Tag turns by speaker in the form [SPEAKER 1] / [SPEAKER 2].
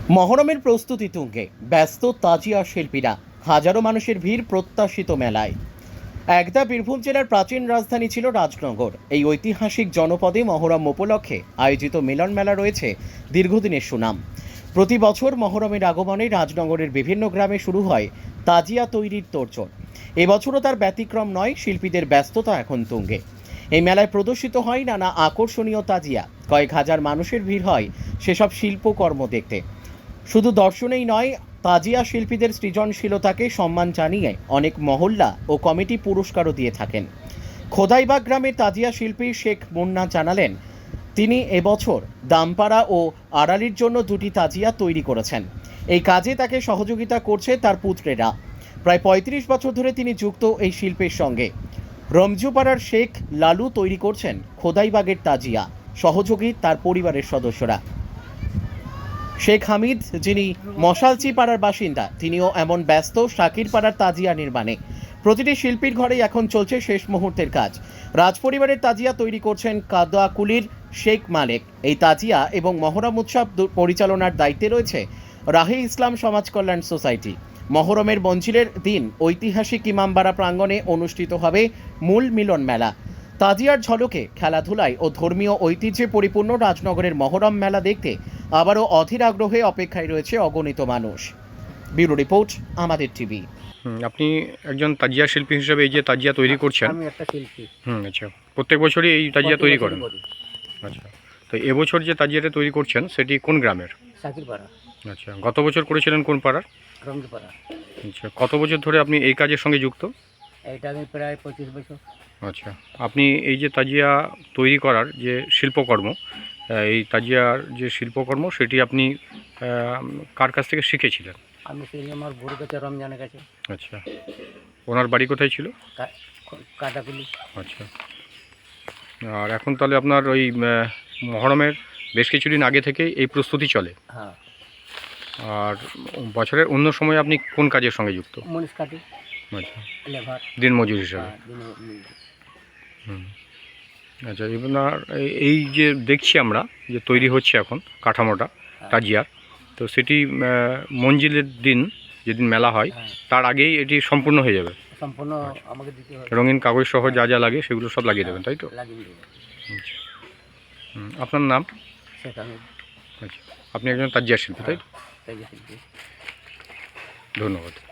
[SPEAKER 1] মহরমের প্রস্তুতি তুঙ্গে ব্যস্ত তাজিয়া শিল্পীরা, হাজারো মানুষের ভিড় প্রত্যাশিত মেলায়। একদা বীরভূম জেলার প্রাচীন রাজধানী ছিল রাজনগর। এই ঐতিহাসিক জনপদে মহরম উপলক্ষে আয়োজিত মিলন মেলা রয়েছে দীর্ঘদিনের সুনাম। প্রতি বছর মহরমের আগমনে রাজনগরের বিভিন্ন গ্রামে শুরু হয় তাজিয়া তৈরির তোড়জোড়। এবছরও তার ব্যতিক্রম নয়, শিল্পীদের ব্যস্ততা এখন তুঙ্গে। এই মেলায় প্রদর্শিত হয় নানা আকর্ষণীয় তাজিয়া, কয়েক হাজার মানুষের ভিড় হয় সেসব শিল্পকর্ম দেখতে। শুধু দর্শনেই নয়, তাজিয়া শিল্পীদের সৃজনশীলতাকে সম্মান জানিয়ে অনেক মহল্লা ও কমিটি পুরস্কারও দিয়ে থাকেন। খোদাইবাগ গ্রামের তাজিয়া শিল্পী শেখ মুন্না জানালেন, তিনি এবছর দামপাড়া ও আড়ালির জন্য দুটি তাজিয়া তৈরি করেছেন। এই কাজে তাকে সহযোগিতা করছে তার পুত্রেরা। প্রায় ৩৫ বছর ধরে তিনি যুক্ত এই শিল্পের সঙ্গে। রমজুপাড়ার শেখ লালু তৈরি করছেন খোদাইবাগের তাজিয়া, সহযোগী তার পরিবারের সদস্যরা। শেখ হামিদ, যিনি মশালচি পাড়ার বাসিন্দা, তিনিও এমন ব্যস্ত শাকির পাড়ার তাজিয়া নির্মাণে। প্রতিটি শিল্পীর ঘরেই এখন চলছে শেষ মুহূর্তের কাজ। রাজপরিবারের তাজিয়া তৈরি করছেন কাদাকুলির শেখ মালেক। এই তাজিয়া এবং মহরম উৎসব পরিচালনার দায়িত্বে রয়েছে রাহি ইসলাম সমাজ কল্যাণ সোসাইটি। মহরমের মঞ্জিলের দিন ঐতিহাসিক ইমামবাড়া প্রাঙ্গণে অনুষ্ঠিত হবে মূল মিলন মেলা। তাজিয়ার ঝলকে খেলাধুলায় ও ধর্মীয় ঐতিহ্যে পরিপূর্ণ রাজনগরের মহরম মেলা দেখতে আবারও অধীর আগ্রহে অপেক্ষায় রয়েছে অগণিত মানুষ। ব্যুরো রিপোর্ট, আমাদের টিভি।
[SPEAKER 2] আপনি একজন তাজিয়া শিল্পী হিসেবে এই যে তাজিয়া তৈরি করছেন।
[SPEAKER 3] আমি একটা শিল্পী।
[SPEAKER 2] আচ্ছা, প্রত্যেক বছরই এই তাজিয়া তৈরি
[SPEAKER 3] প্রতি
[SPEAKER 2] করেন?
[SPEAKER 3] বছরই করি।
[SPEAKER 2] আচ্ছা, তো এবছর যে তাজিয়াটা তৈরি করছেন সেটি কোন গ্রামের?
[SPEAKER 3] শাকিরপাড়া,
[SPEAKER 2] আচ্ছা, গত বছর করেছিলেন কোন পাড়ার?
[SPEAKER 3] রমজপাড়া।
[SPEAKER 2] আচ্ছা, কত বছর ধরে আপনি এই কাজের সঙ্গে যুক্ত?
[SPEAKER 3] এটা আমি প্রায় 25 বছর।
[SPEAKER 2] আচ্ছা, আপনি এই যে তাজিয়া তৈরি করার যে শিল্পকর্ম, এই তাজিয়ার যে শিল্পকর্ম সেটি আপনি কার কাছ থেকে শিখেছিলেন?
[SPEAKER 3] আমি সেই আমার গুরু কাছে, রমজানের কাছে।
[SPEAKER 2] আচ্ছা, ওনার বাড়ি কোথায় ছিল?
[SPEAKER 3] কাটাকুলি।
[SPEAKER 2] আচ্ছা, আর এখন তাহলে আপনার ওই মহরমের বেশ কিছুদিন আগে থেকেই এই প্রস্তুতি চলে।
[SPEAKER 3] হ্যাঁ।
[SPEAKER 2] আর বছরের অন্য সময় আপনি কোন কাজের সঙ্গে যুক্ত?
[SPEAKER 3] মনীষ কাটি,
[SPEAKER 2] আচ্ছা,
[SPEAKER 3] লেবার,
[SPEAKER 2] দিনমজুর হিসাবে। হুম, আচ্ছা, আপনার এই যে দেখছি আমরা যে তৈরি হচ্ছে এখন কাঠামোটা তাজিয়ার, তো সেটি মঞ্জিলের দিন যেদিন মেলা হয় তার আগেই এটি সম্পূর্ণ হয়ে যাবে?
[SPEAKER 3] সম্পূর্ণ আমাকে দিতে হবে।
[SPEAKER 2] রঙিন কাগজ সহ যা যা লাগে সেগুলো সব লাগিয়ে দেবেন, তাই তো?
[SPEAKER 3] লাগিয়ে দেবো।
[SPEAKER 2] আচ্ছা, আপনার নাম?
[SPEAKER 3] শেখ হামিদ।
[SPEAKER 2] আচ্ছা, আপনি একজন তাজিয়া শিল্পী, তাই তো?
[SPEAKER 3] তাই শিল্পী।
[SPEAKER 2] ধন্যবাদ।